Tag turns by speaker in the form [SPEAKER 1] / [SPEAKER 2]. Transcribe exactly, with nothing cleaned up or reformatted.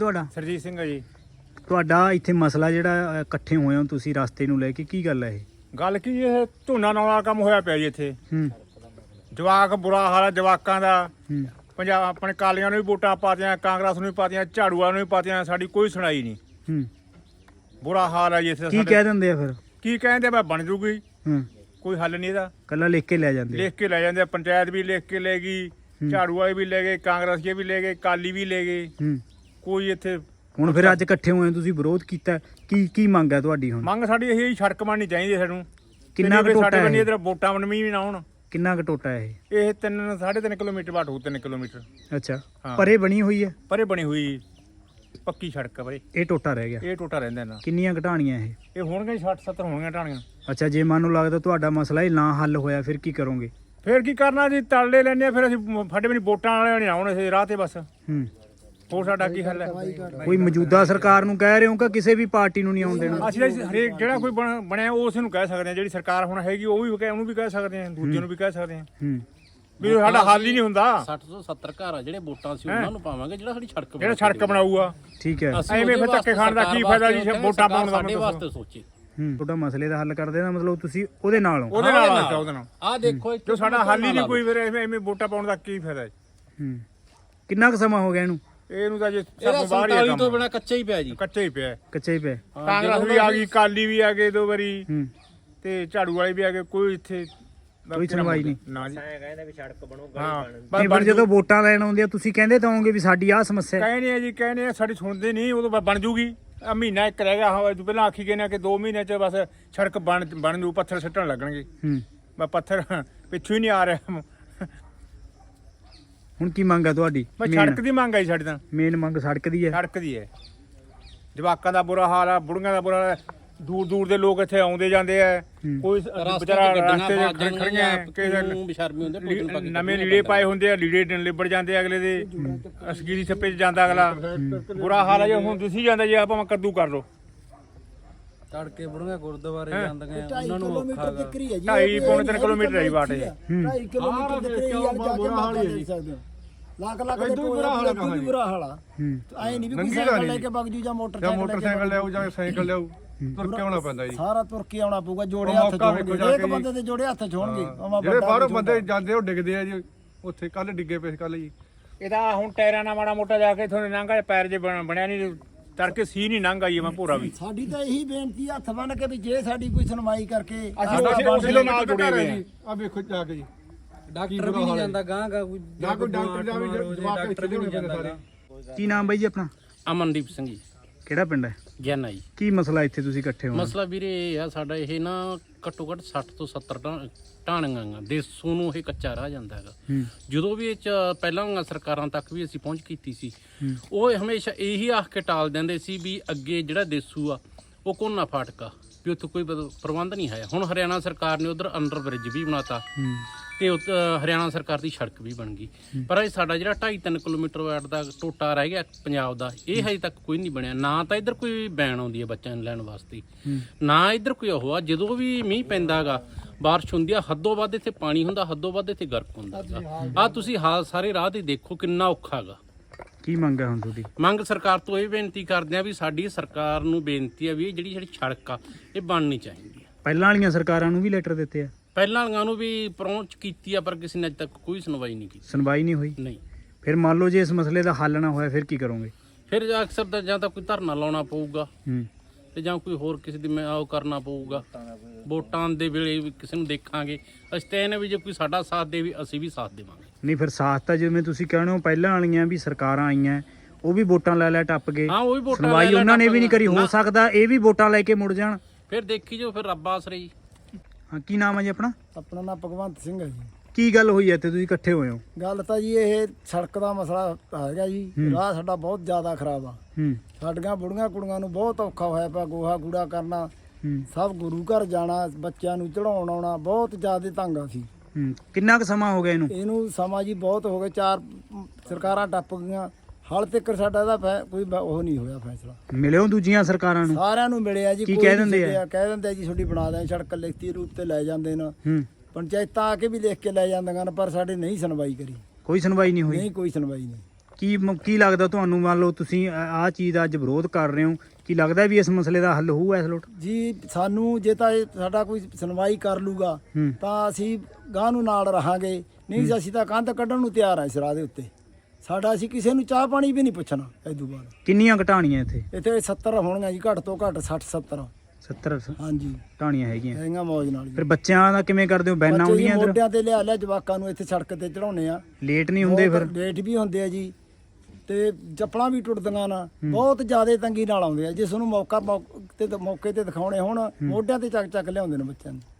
[SPEAKER 1] ਤੁਹਾਡਾ?
[SPEAKER 2] ਸਰਜੀਤ ਸਿੰਘ ਹੈ ਜੀ।
[SPEAKER 1] ਤੁਹਾਡਾ ਇੱਥੇ ਮਸਲਾ ਜਿਹੜਾ ਇਕੱਠੇ ਹੋਏ ਹੋ ਤੁਸੀਂ ਰਸਤੇ ਨੂੰ ਲੈ ਕੇ, ਕੀ ਗੱਲ ਹੈ ਇਹ?
[SPEAKER 2] ਗੱਲ ਕੀ ਇਹ ਝੋਨਾ ਲਾਉਣ ਵਾਲਾ ਕੰਮ ਹੋਇਆ ਪਿਆ ਜੀ ਇੱਥੇ।
[SPEAKER 1] ਹੂੰ
[SPEAKER 2] ਜਵਾਕ ਬੁਰਾ ਹਾਲ ਹੈ ਜਵਾਕਾਂ ਦਾ।
[SPEAKER 1] ਹੂੰ
[SPEAKER 2] ਪੰਜਾਬ ਆਪਣੇ ਕਾਲੀਆਂ ਨੂੰ ਵੀ ਵੋਟਾਂ ਪਾਤੀਆਂ, ਕਾਂਗਰਸ ਨੂੰ ਵੀ ਪਾਤੀਆਂ, ਝਾੜੂਆਂ ਨੂੰ ਵੀ ਪਾਤੀਆਂ, ਸਾਡੀ ਕੋਈ ਸੁਣਾਈ ਨਹੀਂ।
[SPEAKER 1] ਹੂੰ
[SPEAKER 2] ਬੁਰਾ ਹਾਲ ਹੈ ਜੀ ਇੱਥੇ।
[SPEAKER 1] ਕੀ ਕਹਿ ਦਿੰਦੇ ਆ ਫਿਰ?
[SPEAKER 2] ਕੀ ਕਹਿੰਦੇ ਮੈਂ ਬਣ ਜੂਗੀ,
[SPEAKER 1] ਹੂੰ
[SPEAKER 2] ਕੋਈ ਹੱਲ ਨਹੀਂ ਇਹਦਾ।
[SPEAKER 1] ਕੱਲਾ ਲਿਖ ਕੇ ਲੈ ਜਾਂਦੇ?
[SPEAKER 2] ਲਿਖ ਕੇ ਲੈ ਜਾਂਦੇ, ਪੰਚਾਇਤ ਵੀ ਲਿਖ ਕੇ ਲੈ ਗਈ, ਝਾੜੂ ਵਾਲੇ ਵੀ ਲੈ ਗਏ, ਕਾਂਗਰਸੀਏ ਵੀ ਲੈ ਗਏ, ਕਾਲੀ ਵੀ ਲੈ ਗਏ।
[SPEAKER 1] ਹੂੰ
[SPEAKER 2] ਕੋਈ ਇੱਥੇ
[SPEAKER 1] ਹੁਣ ਫਿਰ ਅੱਜ ਇਕੱਠੇ ਹੋਏ ਤੁਸੀਂ ਵਿਰੋਧ ਕੀਤਾ, ਕੀ ਕੀ ਮੰਗ ਹੈ ਤੁਹਾਡੀ ਹੁਣ?
[SPEAKER 2] ਮੰਗ ਸਾਡੀ ਇਹ ਸੜਕ ਬਣਨੀ ਚਾਹੀਦੀ ਸਾਨੂੰ।
[SPEAKER 1] ਕਿੰਨਾ ਕੁ ਟੋਟਾ ਹੈ?
[SPEAKER 2] ਇਧਰ ਵੋਟਾਂ ਬਣਵੀਂ ਵੀ ਨਾ ਹੋਣ।
[SPEAKER 1] ਕਿੰਨਾ ਕੁ ਟੋਟਾ ਹੈ ਇਹ?
[SPEAKER 2] ਇਹ ਤਿੰਨ ਸਾਢੇ ਤਿੰਨ ਕਿਲੋਮੀਟਰ ਬਾਟ ਹੋਊ, ਤਿੰਨ ਕਿਲੋਮੀਟਰ।
[SPEAKER 1] ਅੱਛਾ,
[SPEAKER 2] ਹਾਂ।
[SPEAKER 1] ਪਰੇ ਬਣੀ ਹੋਈ ਹੈ?
[SPEAKER 2] ਪਰੇ ਬਣੀ ਹੋਈ ਪੱਕੀ ਸੜਕ ਹੈ ਪਰੇ।
[SPEAKER 1] ਇਹ ਟੋਟਾ ਰਹਿ ਗਿਆ?
[SPEAKER 2] ਇਹ ਟੋਟਾ ਰਹਿੰਦਾ ਨਾ।
[SPEAKER 1] ਕਿੰਨੀਆਂ ਘਟਾਣੀਆਂ ਇਹ?
[SPEAKER 2] ਇਹ ਹੋਣਗੇ ਸੱਠ ਸੱਤਰ ਹੋਣਗੀਆਂ ਢਾਣੀਆਂ।
[SPEAKER 1] ਅੱਛਾ, ਜੇ ਮੰਨ ਨੂੰ ਲੱਗਦਾ ਤੁਹਾਡਾ ਮਸਲਾ ਹੀ ਨਾ ਹੱਲ ਹੋਇਆ ਫਿਰ ਕੀ ਕਰੋਗੇ?
[SPEAKER 2] ਫਿਰ ਕੀ ਕਰਨਾ ਜੀ, ਤਲਲੇ ਲੈਣੇ ਆ। ਫਿਰ ਅਸੀਂ ਫੱਡੇ ਵੀ ਵੋਟਾਂ ਵਾਲੇ ਨਹੀਂ ਆਉਣ ਇਸ ਰਾਹ ਤੇ ਬਸ।
[SPEAKER 1] ਹੂੰ
[SPEAKER 2] ਹੋਰ ਸਾਡਾ ਕੀ ਹੱਲ ਹੈ?
[SPEAKER 1] ਕੋਈ ਮੌਜੂਦਾ ਸਰਕਾਰ ਨੂੰ ਕਹਿ ਰਹੇ ਹੋ ਕਿ ਕਿਸੇ ਵੀ ਪਾਰਟੀ ਨੂੰ ਨਹੀਂ ਆਉਣ ਦੇਣਾ?
[SPEAKER 2] ਅਸੀਂ ਤਾਂ ਹਰੇਕ ਜਿਹੜਾ ਕੋਈ ਬਣ- ਬਣਿਆ ਉਸ ਨੂੰ ਕਹਿ ਸਕਦੇ ਹਾਂ। ਜਿਹੜੀ ਸਰਕਾਰ ਹੁਣ ਹੈਗੀ ਉਹ ਵੀ ਕਹਿ- ਉਹਨੂੰ ਵੀ ਕਹਿ ਸਕਦੇ ਹਾਂ, ਦੂਜੇ ਨੂੰ ਵੀ ਕਹਿ ਸਕਦੇ ਹਾਂ
[SPEAKER 1] ਹੂੰ
[SPEAKER 2] ਵੀ ਸਾਡਾ ਹੱਲ ਹੀ ਨਹੀਂ ਹੁੰਦਾ।
[SPEAKER 3] ਸੱਠ ਤੋਂ ਸੱਤਰ ਘਰ ਆ ਜਿਹੜੇ ਵੋਟਾਂ ਸੀ ਉਹਨਾਂ ਨੂੰ ਪਾਵਾਂਗੇ, ਜਿਹੜਾ ਸਾਡੀ ਸੜਕ
[SPEAKER 2] ਜਿਹੜਾ ਸੜਕ ਬਣਾਊਗਾ।
[SPEAKER 1] ਠੀਕ ਹੈ।
[SPEAKER 2] ਐਵੇਂ ਫਿਰ ਧੱਕੇ ਖਾਣ ਦਾ ਕੀ ਫਾਇਦਾ ਜੀ, ਵੋਟਾਂ ਪਾਉਣ ਦਾ?
[SPEAKER 3] ਸਾਡੇ ਵਾਸਤੇ ਸੋਚੇ।
[SPEAKER 1] ਹੂੰ ਤੁਹਾਡਾ ਮਸਲੇ ਦਾ ਹੱਲ ਕਰਦੇ ਦਾ ਮਤਲਬ ਤੁਸੀਂ ਉਹਦੇ ਨਾਲ ਹੋ?
[SPEAKER 2] ਉਹਦੇ ਨਾਲ ਆ ਉਹਦੇ ਨਾਲ।
[SPEAKER 3] ਆਹ ਦੇਖੋ
[SPEAKER 2] ਜੋ ਸਾਡਾ ਹੱਲ ਹੀ ਨਹੀਂ ਕੋਈ, ਫਿਰ ਐਵੇਂ ਐਵੇਂ ਵੋਟਾਂ ਪਾਉਣ ਦਾ ਕੀ ਫਾਇਦਾ?
[SPEAKER 1] ਹੂੰ ਕਿੰਨਾ ਕੁ ਸਮਾਂ ਹੋ ਗਿਆ ਇਹਨੂੰ?
[SPEAKER 2] ਇਹਨੂੰ ਤਾਂ ਜੇ
[SPEAKER 3] ਇਹਦਾ
[SPEAKER 2] ਸਭ ਬਾਹਰ ਹੀ
[SPEAKER 3] ਸੰਤਾਲੀ
[SPEAKER 2] ਆ
[SPEAKER 3] ਤੋਂ
[SPEAKER 2] ਕੰਮ।
[SPEAKER 3] ਬਿਨਾ ਕੱਚਾ ਹੀ ਪਿਆ ਜੀ।
[SPEAKER 2] ਕੱਚਾ ਹੀ ਪਿਆ।
[SPEAKER 1] ਕੱਚਾ ਹੀ ਪਿਆ?
[SPEAKER 2] ਕਾਂਗਰਸ ਵੀ ਆ ਗਈ, ਕਾਲੀ ਵੀ ਆ ਗਏ ਦੋ ਵਾਰੀ,
[SPEAKER 1] ਹੂੰ
[SPEAKER 2] ਤੇ ਝਾੜੂ ਵਾਲੇ ਵੀ ਆ ਗਏ। ਕੋਈ ਇੱਥੇ
[SPEAKER 1] ਕੋਈ ਸੁਣਵਾਈ ਨਹੀਂ
[SPEAKER 2] ਨਾ ਜੀ।
[SPEAKER 4] ਕਹਿੰਦੇ ਵੀ ਸੜਕ ਬਣੂਗਾ।
[SPEAKER 2] ਹਾਂ
[SPEAKER 1] ਨਹੀਂ, ਪਰ ਜਦੋਂ ਵੋਟਾਂ ਲੈਣ ਆਉਂਦੇ ਆ ਤੁਸੀਂ ਕਹਿੰਦੇ ਤਾਂ ਹੋਵੋਗੇ ਵੀ ਸਾਡੀ ਆਹ ਸਮੱਸਿਆ ਹੈ।
[SPEAKER 2] ਕਹਿੰਦੇ ਆ ਜੀ, ਕਹਿੰਦੇ ਆ, ਸਾਡੀ ਸੁਣਦੇ ਨਹੀਂ। ਉਦੋਂ ਬ- ਬਣ ਜੂਗੀ। ਆ ਮਹੀਨਾ ਇੱਕ ਰਹਿ ਗਿਆ। ਹਾਂ ਪਹਿਲਾਂ ਆਖੀ ਗਏ ਨੇ ਕਿ ਦੋ ਮਹੀਨੇ ਚ ਬਸ ਸੜਕ ਬਣ ਬਣ ਜੂ, ਪੱਥਰ ਸਿੱਟਣ ਲੱਗਣਗੇ।
[SPEAKER 1] ਹੂੰ
[SPEAKER 2] ਮੈਂ ਪੱਥਰ ਪਿੱਛੋਂ ਹੀ ਨਹੀਂ ਆ ਰਿਹਾ।
[SPEAKER 1] ਹੁਣ ਕੀ ਮੰਗ ਹੈ ਤੁਹਾਡੀ?
[SPEAKER 2] ਮੈਂ ਸੜਕ ਦੀ ਮੰਗ ਆਈ ਸਾਡੀ ਤਾਂ।
[SPEAKER 1] ਮੇਨ ਮੰਗ ਸੜਕ ਦੀ ਹੈ?
[SPEAKER 2] ਸੜਕ ਦੀ ਹੈ। ਜਵਾਕਾਂ ਦਾ ਬੁਰਾ ਹਾਲ ਆ, ਬੁੜੀਆਂ ਦਾ ਬੁਰਾ ਹਾਲ ਆ। ਦੂਰ ਦੂਰ ਦੇ ਲੋਕ ਇੱਥੇ ਆਉਂਦੇ ਜਾਂਦੇ ਆ। ਕੋਈ ਵਿਚਾਰਾ ਰਸਤੇ ਦੇ ਖੜੀਆਂ ਕਿਸੇ
[SPEAKER 3] ਬੇਸ਼ਰਮੀ ਹੁੰਦੇ
[SPEAKER 2] ਨਵੇਂ ਲੀੜੇ ਪਾਏ ਹੁੰਦੇ ਆ, ਲੀੜੇ ਲਿਬੜ ਜਾਂਦੇ ਆ ਅਗਲੇ ਦੇ। ਅਸਗੀਰੀ ਛੱਪੇ ਚ ਜਾਂਦਾ ਅਗਲਾ। ਬੁਰਾ ਹਾਲ ਆ ਜੀ। ਹੁਣ ਦਿਸੀ ਜਾਂਦਾ ਜੀ, ਆਪਾਂ ਕੱਦੂ ਕਰ ਲੋ।
[SPEAKER 5] ਤੜਕੇ ਬੁੜੀਆਂ ਗੁਰਦੁਆਰੇ ਜਾਂਦੀਆਂ ਉਹਨਾਂ ਨੂੰ ਔਖਾ ਗਾ।
[SPEAKER 2] ਢਾਈ ਪੌਣੇ ਤਿੰਨ ਕਿਲੋਮੀਟਰ ਹੈ ਜੀ ਬਾਟ ਇਹ।
[SPEAKER 6] ਢਾਈ ਕਿਲੋਮੀਟਰ ਦੇ ਕਰੀਬ ਯਾਰ ਜਾ ਕੇ ਮਾਤਾ ਦੇ ਸਕਦੇ ਹੋ। ਲੱਖ ਲੱਖ ਦੇ ਬੁਰਾ ਹਾਲ ਹੈ ਜੀ, ਬੁਰਾ ਹਾਲ ਆ। ਐ ਨਹੀਂ ਵੀ ਕੋਈ ਸਾਈਕਲ ਲੈ ਕੇ ਵਗ ਜੂ ਜਾਂ ਮੋਟਰਸਾਈਕਲ
[SPEAKER 2] ਮੋਟਰਸਾਈਕਲ ਲਿਆਓ ਜਾਂ ਸਾਈਕਲ ਲਿਆਓ, ਤੁਰ ਕੇ ਆਉਣਾ ਪੈਂਦਾ ਜੀ।
[SPEAKER 6] ਸਾਰਾ ਤੁਰ ਕੇ ਆਉਣਾ ਪਊਗਾ। ਜੋੜੇ ਹੱਥ ਜੋੜਨਗੇ, ਇੱਕ ਬੰਦੇ ਦੇ ਜੋੜੇ ਹੱਥ ਛੋਣਗੇ।
[SPEAKER 2] ਜਿਹੜੇ ਬਾਹਰੋਂ ਬੰਦੇ ਜਾਂਦੇ ਉਹ ਡਿੱਗਦੇ ਆ ਜੀ। ਉੱਥੇ ਕੱਲ ਡਿੱਗੇ ਪਏ ਕੱਲ ਜੀ। ਇਹਦਾ ਹੁਣ ਟਾਇਰਾਂ ਨਾਲ ਮਾੜਾ ਮੋਟਾ ਜਾ ਕੇ ਇਥੋਂ ਲੰਘਾ, ਪੈਰ ਜੇ ਬਣਿਆ ਨਹੀਂ, ਤੜਕੇ ਸੀ ਨਹੀਂ ਲੰਘ ਆਈ। ਮੈਂ ਭੋਰਾ ਵੀ
[SPEAKER 6] ਸਾਡੀ ਤਾਂ ਇਹੀ ਬੇਨਤੀ ਆ, ਹੱਥ ਬੰਨ ਕੇ ਵੀ ਜੇ ਸਾਡੀ ਕੋਈ ਸੁਣਵਾਈ ਕਰਕੇ
[SPEAKER 2] ਅਸੀਂ ਉਸੇ ਨਾਲ ਜੁੜੇ ਹੋਏ ਆ।
[SPEAKER 5] ਆ ਵੇਖੋ ਜਾ ਕੇ ਜੀ, ਡਾਕਟਰ ਵੀ ਨਹੀਂ ਜਾਂਦਾ ਗਾਂ ਗਾ, ਕੋਈ
[SPEAKER 2] ਨਾ ਕੋਈ ਡਾਕਟਰ ਜਾਵੇ, ਜਵਾਕ
[SPEAKER 5] ਡਾਕਟਰ ਵੀ ਨਹੀਂ ਜਾਂਦਾ ਸਾਰੇ।
[SPEAKER 1] ਕੀ ਨਾਮ ਬਾਈ ਜੀ ਆਪਣਾ?
[SPEAKER 3] ਅਮਨਦੀਪ ਸਿੰਘ ਜੀ,
[SPEAKER 1] ਕਿਹੜਾ ਪਿੰਡ ਹੈ?
[SPEAKER 3] ਗਿਆਨਾ ਜੀ।
[SPEAKER 1] ਕੀ ਮਸਲਾ ਇੱਥੇ ਤੁਸੀਂ ਇਕੱਠੇ ਹੋ?
[SPEAKER 3] ਮਸਲਾ ਵੀਰੇ ਇਹ ਆ, ਸਾਡਾ ਇਹ ਨਾ ਘੱਟੋ ਘੱਟ ਸੱਠ ਤੋਂ ਸੱਤਰ ਢਾਣੀਆਂ ਗਾ ਦੇਸੂ ਨੂੰ ਇਹ ਕੱਚਾ ਰਹਿ ਜਾਂਦਾ ਹੈਗਾ।
[SPEAKER 1] ਹੂੰ
[SPEAKER 3] ਜਦੋਂ ਵੀ ਇਹ ਚ ਪਹਿਲਾਂ ਸਰਕਾਰਾਂ ਤੱਕ ਵੀ ਅਸੀਂ ਪਹੁੰਚ ਕੀਤੀ ਸੀ, ਉਹ ਹਮੇਸ਼ਾ ਇਹੀ ਆਖ ਕੇ ਟਾਲ ਦਿੰਦੇ ਸੀ ਵੀ ਅੱਗੇ ਜਿਹੜਾ ਦੇਸੂ ਆ ਉਹ ਕੋਨਾ ਫਾਟਕਾ ਵੀ ਉੱਥੇ ਕੋਈ ਪ੍ਰਬੰਧ ਨਹੀਂ ਹੈ। ਹੁਣ ਹਰਿਆਣਾ ਸਰਕਾਰ ਨੇ ਉਧਰ ਅੰਡਰ ਬ੍ਰਿਜ ਵੀ ਬਣਾਤਾ ਤੇ ਹਰਿਆਣਾ ਸਰਕਾਰ ਦੀ ਸੜਕ ਵੀ ਬਣ ਗਈ। ਪਰ ਇਹ ਸਾਡਾ ਜਿਹੜਾ ਢਾਈ ਤਿੰਨ ਕਿਲੋਮੀਟਰ ਵਾਟ ਦਾ ਟੋਟਾ ਰਹਿ ਗਿਆ ਪੰਜਾਬ ਦਾ, ਇਹ ਹਜੇ ਤੱਕ ਕੋਈ ਨਹੀਂ ਬਣਿਆ। ਨਾ ਤਾਂ ਇੱਧਰ ਕੋਈ ਵੈਨ ਆਉਂਦੀ ਹੈ ਬੱਚਿਆਂ ਨੂੰ ਲੈਣ ਵਾਸਤੇ, ਨਾ ਇੱਧਰ ਕੋਈ ਉਹ ਆ। ਜਦੋਂ ਵੀ ਮੀਂਹ ਪੈਂਦਾ ਗਾ, ਬਾਰਿਸ਼ ਹੁੰਦੀ ਆ, ਹੱਦੋਂ ਵੱਧ ਇੱਥੇ ਪਾਣੀ ਹੁੰਦਾ, ਹੱਦੋਂ ਵੱਧ ਇੱਥੇ ਗਰਕ ਹੁੰਦਾ ਗਾ। ਆਹ ਤੁਸੀਂ ਹਾਲ ਸਾਰੇ ਰਾਹ ਤੇ ਦੇਖੋ ਕਿੰਨਾ ਔਖਾ ਗਾ।
[SPEAKER 1] ਕੀ ਮੰਗ ਹੈ ਹੁਣ ਤੁਹਾਡੀ?
[SPEAKER 3] ਮੰਗ ਸਰਕਾਰ ਤੋਂ ਇਹ ਬੇਨਤੀ ਕਰਦੇ ਆ ਵੀ ਸਾਡੀ ਸਰਕਾਰ ਨੂੰ ਬੇਨਤੀ ਆ ਵੀ ਇਹ ਜਿਹੜੀ ਜਿਹੜੀ ਸੜਕ ਆ ਇਹ ਬਣਨੀ ਚਾਹੀਦੀ ਆ।
[SPEAKER 1] ਪਹਿਲਾਂ ਵਾਲੀਆਂ ਸਰਕਾਰਾਂ ਨੂੰ ਵੀ ਲੈਟਰ ਦਿੱਤੇ ਆ?
[SPEAKER 3] ਪਹਿਲਾਂ ਵਾਲੀਆਂ ਨੂੰ ਵੀ ਪਹੁੰਚ ਕੀਤੀ ਆ, ਪਰ ਕਿਸੇ ਨੇ ਅੱਜ ਤੱਕ ਕੋਈ ਸੁਣਵਾਈ ਨਹੀਂ ਕੀਤੀ।
[SPEAKER 1] ਸੁਣਵਾਈ ਨਹੀਂ ਹੋਈ?
[SPEAKER 3] ਨਹੀਂ।
[SPEAKER 1] ਫਿਰ ਮੰਨ ਲਓ ਜੇ ਇਸ ਮਸਲੇ ਦਾ ਹੱਲ ਨਾ ਹੋਇਆ ਫਿਰ ਕੀ ਕਰੋਗੇ?
[SPEAKER 3] ਫਿਰ ਅਕਸਰ ਤਾਂ ਜਾਂ ਤਾਂ ਕੋਈ ਧਰਨਾ ਲਾਉਣਾ ਪਊਗਾ
[SPEAKER 1] ਹੂੰ
[SPEAKER 3] ਤੇ ਜਾਂ ਕੋਈ ਹੋਰ ਕਿਸੇ ਦੀ ਮੈਂ ਉਹ ਕਰਨਾ ਪਊਗਾ। ਵੋਟਾਂ ਦੇ ਵੇਲੇ ਵੀ ਕਿਸੇ ਨੂੰ ਦੇਖਾਂਗੇ। ਅਸੀਂ ਤਾਂ ਇਹ ਨੇ ਵੀ ਜੇ ਕੋਈ ਸਾਡਾ ਸਾਥ ਦੇ ਵੀ ਅਸੀਂ ਵੀ ਸਾਥ ਦੇਵਾਂਗੇ।
[SPEAKER 1] ਨਹੀਂ, ਫਿਰ ਸਾਥ ਤਾਂ ਜਿਵੇਂ ਤੁਸੀਂ ਕਹਿੰਦੇ ਹੋ ਪਹਿਲਾਂ ਵਾਲੀਆਂ ਵੀ ਸਰਕਾਰਾਂ ਆਈਆਂ, ਉਹ ਵੀ ਵੋਟਾਂ ਲੈ ਲੈ ਟੱਪ ਗਏ।
[SPEAKER 3] ਹਾਂ, ਉਹ ਵੀ ਵੋਟਾਂ
[SPEAKER 1] ਸੁਣਵਾਈ ਉਹਨਾਂ ਨੇ ਵੀ ਨਹੀਂ ਕਰੀ। ਹੋ ਸਕਦਾ ਇਹ ਵੀ ਵੋਟਾਂ ਲੈ ਕੇ ਮੁੜ ਜਾਣ।
[SPEAKER 3] ਫਿਰ ਦੇਖੀ ਜੋ, ਫਿਰ ਰੱਬ ਆਸਰੇ ਜੀ।
[SPEAKER 1] ਹਾਂ, ਕੀ ਨਾਮ ਹੈ ਜੀ ਆਪਣਾ?
[SPEAKER 6] ਆਪਣਾ ਨਾਮ ਭਗਵੰਤ ਸਿੰਘ ਹੈ ਜੀ।
[SPEAKER 1] ਕੀ ਗੱਲ ਹੋਈ ਹੈ ਇੱਥੇ ਤੁਸੀਂ ਇਕੱਠੇ ਹੋਏ ਹੋ?
[SPEAKER 6] ਗੱਲ ਤਾਂ ਜੀ ਇਹ ਸੜਕ ਦਾ ਮਸਲਾ ਹੈਗਾ ਜੀ। ਰਾਹ ਸਾਡਾ ਬਹੁਤ ਜ਼ਿਆਦਾ ਖਰਾਬ ਆ।
[SPEAKER 1] ਹੂੰ
[SPEAKER 6] ਸਾਡੀਆਂ ਬੁੜੀਆਂ ਕੁੜੀਆਂ ਨੂੰ ਬਹੁਤ ਔਖਾ ਹੋਇਆ ਪਿਆ। ਗੋਹਾ ਕੂੜਾ ਕਰਨਾ,
[SPEAKER 1] ਹੂੰ
[SPEAKER 6] ਸਭ ਗੁਰੂ ਘਰ ਜਾਣਾ, ਬੱਚਿਆਂ ਨੂੰ ਚੜਾਉਣ ਆਉਣਾ, ਬਹੁਤ ਜ਼ਿਆਦਾ ਤੰਗ ਆ ਸੀ।
[SPEAKER 1] ਹੂੰ ਕਿੰਨਾ ਕੁ ਸਮਾਂ ਹੋ ਗਿਆ ਇਹਨੂੰ?
[SPEAKER 6] ਇਹਨੂੰ ਸਮਾਂ ਜੀ ਬਹੁਤ ਹੋ ਗਏ। ਚਾਰ ਸਰਕਾਰਾਂ ਟੱਪ ਗਈਆਂ, ਹਾਲ ਤੱਕ ਸਾਡਾ ਇਹਦਾ ਫੈ- ਕੋਈ ਬ- ਉਹ ਨਹੀਂ ਹੋਇਆ ਫੈਸਲਾ।
[SPEAKER 1] ਮਿਲਿਓ ਦੂਜੀਆਂ ਸਰਕਾਰਾਂ ਨੂੰ?
[SPEAKER 6] ਸਾਰਿਆਂ ਨੂੰ ਮਿਲਿਆ ਜੀ।
[SPEAKER 1] ਕੀ
[SPEAKER 6] ਕੋਈ
[SPEAKER 1] ਕਹਿ
[SPEAKER 6] ਨਹੀਂ
[SPEAKER 1] ਦਿੰਦੇ ਆ?
[SPEAKER 6] ਛੱਡਿਆ। ਕਹਿ ਦਿੰਦੇ ਆ ਜੀ ਤੁਹਾਡੀ ਬਣਾ ਦੇਂ ਸੜਕ, ਲਿਖਤੀ ਰੂਪ ਤੇ ਲੈ ਜਾਂਦੇ ਨੇ।
[SPEAKER 1] ਹੂੰ
[SPEAKER 6] ਪੰਚਾਇਤਾਂ ਆ ਕੇ ਵੀ ਲਿਖ ਕੇ ਲੈ ਜਾਂਦੀਆਂ ਨੇ, ਪਰ ਸਾਡੇ ਨਹੀਂ ਸੁਣਵਾਈ ਕਰੀ।
[SPEAKER 1] ਕੋਈ ਸੁਣਵਾਈ ਨਹੀਂ ਹੋਈ?
[SPEAKER 6] ਨਹੀਂ, ਕੋਈ ਸੁਣਵਾਈ ਨਹੀਂ।
[SPEAKER 1] ਕੀ ਮ- ਕੀ ਲੱਗਦਾ ਤੁਹਾਨੂੰ? ਮੰਨ ਲਓ ਤੁਸੀਂ ਆਹ ਚੀਜ਼ ਦਾ ਅੱਜ ਵਿਰੋਧ ਕਰ ਰਹੇ ਹੋ, ਕੀ ਲੱਗਦਾ ਵੀ ਇਸ ਮਸਲੇ ਦਾ ਹੱਲ ਹੋਊ ਇਸ ਲੋਟ?
[SPEAKER 6] ਜੀ ਸਾਨੂੰ ਜੇ ਤਾਂ ਇਹ ਸਾਡਾ ਕੋਈ ਸੁਣਵਾਈ ਕਰ ਲੂਗਾ
[SPEAKER 1] ਹੂੰ
[SPEAKER 6] ਤਾਂ ਅਸੀਂ ਗਾਂ ਨੂੰ ਨਾਲ ਰਹਾਂਗੇ, ਨਹੀਂ ਤਾਂ ਅਸੀਂ ਤਾਂ ਕੰਧ ਕੱਢਣ ਨੂੰ ਤਿਆਰ ਆ ਇਸ ਰਾਹ ਦੇ ਉੱਤੇ। ਸਾਡਾ ਅਸੀਂ ਕਿਸੇ ਨੂੰ ਚਾਹ ਪਾਣੀ ਵੀ ਨਹੀਂ ਪੁੱਛਣਾ ਇਹ ਤੋਂ ਬਾਅਦ।
[SPEAKER 1] ਕਿੰਨੀਆਂ ਘਟਾਣੀਆਂ ਇੱਥੇ?
[SPEAKER 6] ਇੱਥੇ ਸੱਤਰ ਹੋਣਗੀਆਂ ਜੀ, ਘੱਟ ਤੋਂ ਘੱਟ ਸੱਠ ਸੱਤਰ।
[SPEAKER 1] ਸੱਤਰ
[SPEAKER 6] ਹਾਂਜੀ
[SPEAKER 1] ਢਾਣੀਆਂ ਹੈਗੀਆਂ।
[SPEAKER 6] ਹੈਗੀਆਂ ਮੌਜ ਨਾਲ ਜੀ।
[SPEAKER 1] ਫਿਰ ਬੱਚਿਆਂ ਦਾ ਕਿਵੇਂ ਕਰਦੇ ਹੋ? ਬੈਨਾਂ
[SPEAKER 6] ਬੱਚੇ ਜੀ
[SPEAKER 1] ਆਉਂਦੀਆਂ ਇੱਧਰ?
[SPEAKER 6] ਮੋਢਿਆਂ ਤੇ ਲਿਆ ਲਿਆ ਜਵਾਕਾਂ ਨੂੰ ਇੱਥੇ ਸੜਕ ਤੇ ਚੜਾਉਣੇ ਆ।
[SPEAKER 1] ਲੇਟ ਨਹੀਂ ਹੁੰਦੇ ਫਿਰ?
[SPEAKER 6] ਬਹੁਤ ਲੇਟ ਵੀ ਹੁੰਦੇ ਆ ਜੀ, ਤੇ ਚੱਪਲਾਂ ਵੀ ਟੁੱਟਦੀਆਂ ਨਾ, ਬਹੁਤ ਜ਼ਿਆਦਾ ਤੰਗੀ ਨਾਲ ਆਉਂਦੇ ਆ। ਜਿਸ ਨੂੰ ਮੌਕਾ ਮੌਕੇ ਤੇ ਮੌਕੇ ਤੇ ਦਿਖਾਉਣੇ ਹੁਣ ਮੋਢਿਆਂ ਤੇ ਚੱਕ ਚੱਕ ਲਿਆਉਂਦੇ ਨੇ ਬੱਚਿਆਂ ਨੂੰ।